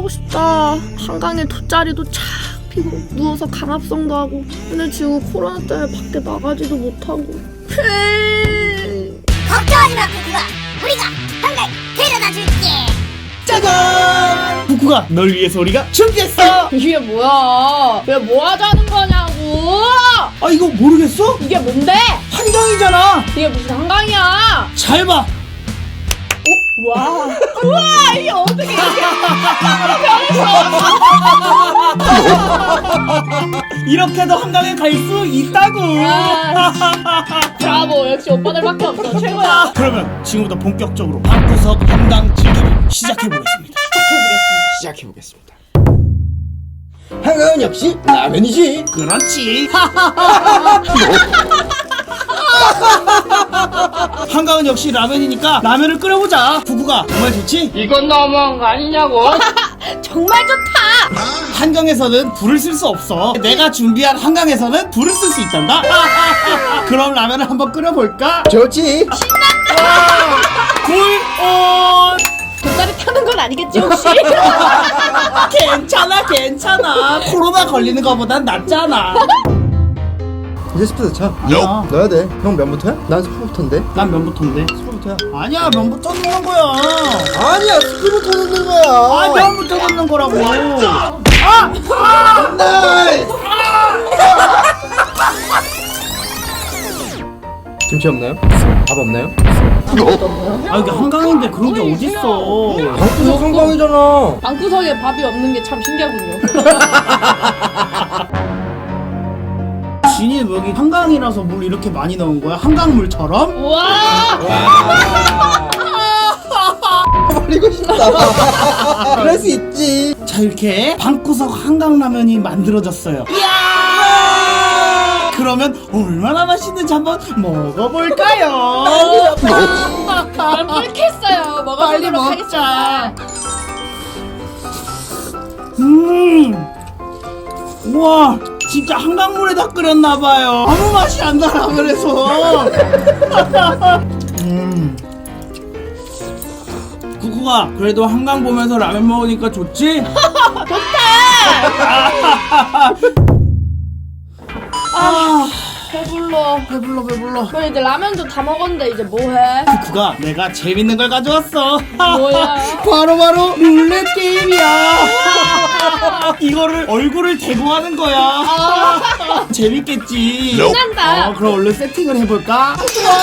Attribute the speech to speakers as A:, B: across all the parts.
A: 하고 싶다. 한강에 돗자리도 착 피고 누워서 강압성도 하고. 근데 지금 코로나 때문에 밖에 나가지도 못하고.
B: 걱정하지 마, 부쿠가. 우리가 한강 데려다 줄게.
C: 짜잔! 부쿠가 널 위해서 우리가 준비했어.
A: 이게 뭐야? 왜 뭐 하자는 거냐고?
C: 아 이거 모르겠어?
A: 이게 뭔데?
C: 한강이잖아.
A: 이게 무슨 한강이야?
C: 잘 봐.
A: 와, 우와, 이게 어떻게 이렇게
C: 이렇게도 한강에 갈 수 있다고.
A: 브라보, 역시 오빠들밖에 없어. 최고야.
C: 그러면 지금부터 본격적으로 방구석 한강 즐기기 시작해보겠습니다. 시작해보겠습니다.
D: 한강은 역시 라면이지.
C: 그렇지. 한강은 역시 라면이니까 라면을 끓여보자. 부구가 정말 좋지?
E: 이건 너무한 거 아니냐고.
A: 정말 좋다.
C: 한강에서는 불을 쓸 수 없어. 내가 준비한 한강에서는 불을 쓸 수 있단다. 그럼 라면을 한번 끓여볼까?
D: 좋지.
C: 불 온.
A: 돗자리 타는 건 아니겠지 혹시?
C: 괜찮아. 코로나 걸리는 거보단 낫잖아.
D: 이제 스프 넣자.
C: 야.
D: 넣어야 돼. 형 면부터야? 난 스프부터인데.
C: 난 면부터인데.
D: 스프부터야.
C: 아니야, 면부터 넣는 거야.
D: 아니야, 스프부터 넣는 거야.
C: 아, 면부터 넣는 거라고.
D: 나이스. 김치 없나요? 밥 없나요?
C: 아, 이게 한강인데 그런 게 어딨어.
D: 방구석 한강이잖아.
A: 방구석에 밥이 없는 게 참 신기하군요.
C: 진이 여기 한강이라서 물 이렇게 많이 넣은 거야? 한강물처럼?
A: 우와.
D: 버리고 싶다. 그럴 수 있지.
C: 자, 이렇게 방구석 한강라면이 만들어졌어요. 그러면 얼마나 맛있는지 한번 먹어볼까요?
A: 난 뿔겠어요.
C: 빨리
A: 먹어보도록
C: 먹자.
A: 하겠습니다.
C: 우와, 진짜 한강물에다 끓였나봐요. 아무 맛이 안 나라 그래서. 구구가 그래도 한강 보면서 라면 먹으니까 좋지? 배불러.
A: 그래 이제 라면도 다 먹었는데 이제 뭐해?
C: 구구가 내가 재밌는 걸 가져왔어.
A: 뭐야?
C: 바로 룰렛 게임이야. 이거를 얼굴을 대고 하는 거야. 재밌겠지.
A: 신난다.
C: 그럼 얼른 세팅을 해볼까?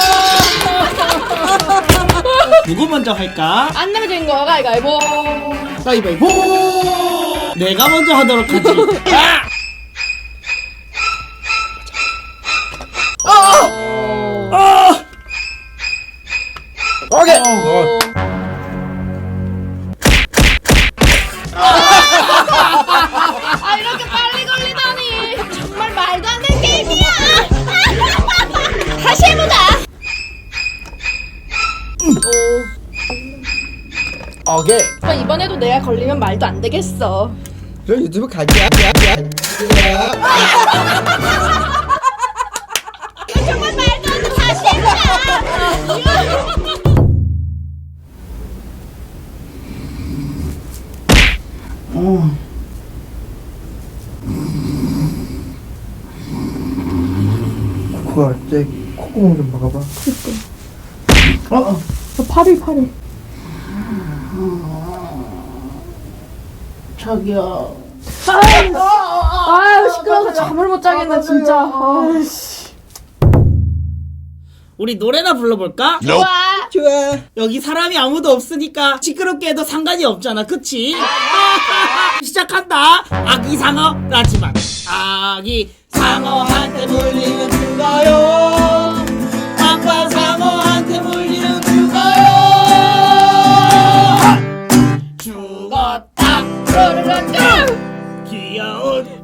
C: 누구 먼저 할까?
A: 안 내면 되는 거 가위바위보.
C: 가위바위보. 내가 먼저 하도록 하지.
D: 오케이.
A: 아 이렇게 빨리 걸리다니. 정말 말도 안 되는 게임이야. 다시 해보자.
D: 오케이.
A: 오빠 이번에도 내가 걸리면 말도 안 되겠어.
D: 그럼 유튜브 가자.
A: 정말 말도 안 돼. 다시 해보자.
D: 그거 제 콧구멍 좀 막아봐.
A: 파리.
C: 저기요.
A: 아유 시끄러워서 잠을 못 자겠네 진짜.
C: 우리 노래나 불러볼까?
A: 좋아.
D: 좋아.
C: 여기 사람이 아무도 없으니까 시끄럽게 해도 상관이 없잖아, 그치? 시작한다. 아기 상어라지만 아기 상어한테 물리면 죽어요. 아빠 상어한테 물리면 죽어요. 죽었다. 귀여운.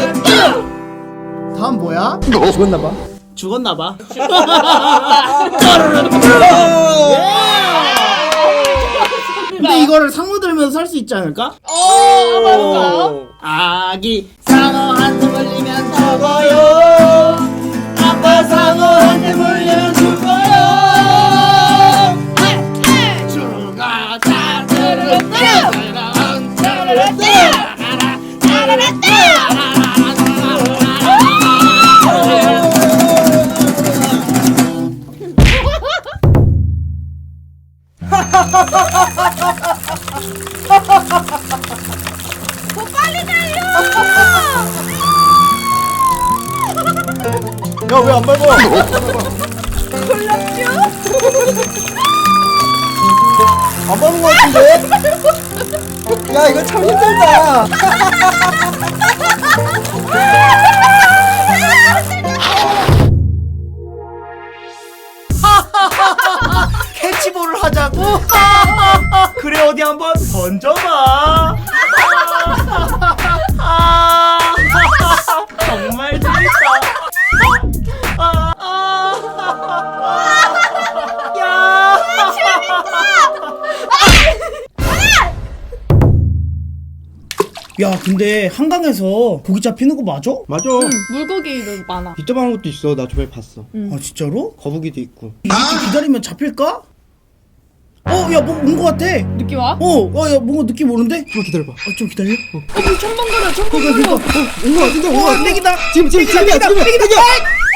C: 다음 뭐야?
D: 죽었나봐.
C: 죽었나봐. 근데 이거를 상어 들면서 살 수 있지 않을까?
A: 한번
C: 아기 상어한테 물리면 죽어요. 아빠 상어한테 물리면 죽어요. 죽었다.
A: 빨리 달려.
D: 야 왜 안 밟아?
A: 골랐죠?
D: 안 밟은 거 같은데? 야 이거 참 힘들다.
C: 캐치볼을 하자고? 그래 어디 한번 던져봐. 정말 재밌다. 야. 야 근데 한강에서 고기 잡히는 거 맞아?
D: 맞아.
A: 물고기도 많아.
D: 이따만한 것도 있어. 나 저번에 봤어.
C: 아 진짜로?
D: 거북이도 있고.
C: 이렇게 기다리면 잡힐까? 야 뭐 온 거 같아.
A: 느낌 와?
C: 야 뭔가 느낌 오는데?
D: 좀 기다려봐.
C: 좀 기다려.
A: 물 첨벙거려 첨벙거려.
D: 온거 같은데?
C: 땡기다.
D: 지금이야.